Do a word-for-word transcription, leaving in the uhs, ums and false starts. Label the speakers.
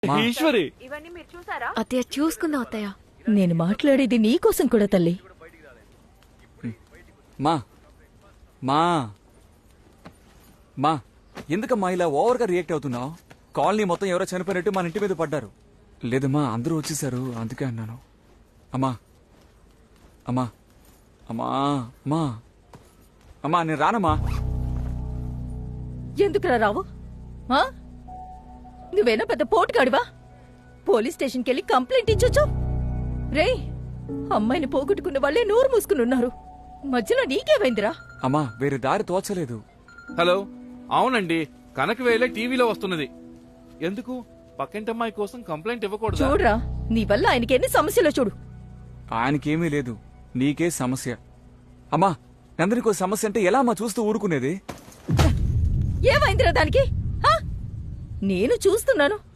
Speaker 1: ఈశ్వరి
Speaker 2: ఇవన్నీ మీరు చూసారా?
Speaker 3: అత్తయ్య చూసుకుందాం అత్తయ్య.
Speaker 4: నేను మాట్లాడేది నీకోసం కూడా తల్లి.
Speaker 1: మా మా మా ఎందుకమ్మా ఇలా ఓవర్ గా రియాక్ట్ అవుతున్నావు? కాలనీ మొత్తం ఎవరో చనిపోయినట్టు మన ఇంటి మీద పడ్డారు. లేదమ్మా, అందరూ వచ్చేసారు, అందుకే అన్నాను. అమ్మా అమ్మా అమ్మా అమ్మా అమ్మా నేను రానమ్మా.
Speaker 4: ఎందుకురా రావు? ఆ? నువ్వేనా పెద్ద పోటుగాడివా? పోలీస్ స్టేషన్కి వెళ్ళి కంప్లైంట్ ఇచ్చొచ్చు. రే, అమ్మాయిని పోగొట్టుకున్న వాళ్ళే నోరు మూసుకుని ఉన్నారు. మధ్యలో నీకేమైందిరా?
Speaker 1: అమ్మా వేరే దారి తోచలేదు.
Speaker 5: హలో, అవునండి, కనకవేలే టీవీలో వస్తున్నది. ఎందుకు? పక్కింటమ్మాయి కోసం కంప్లైంట్ ఇవ్వకూడదు.
Speaker 4: చూడరా, నీ వల్ల ఆయనకి ఎన్ని సమస్యలో చూడు.
Speaker 1: ఆయనకేమీ లేదు, నీకే సమస్య. అమ్మా నందరికో సమస్య అంటే ఎలా అమ్మా చూస్తూ ఊరుకునేది?
Speaker 4: ఏమైందిరా దానికి? ఆ? నేను చూస్తున్నాను.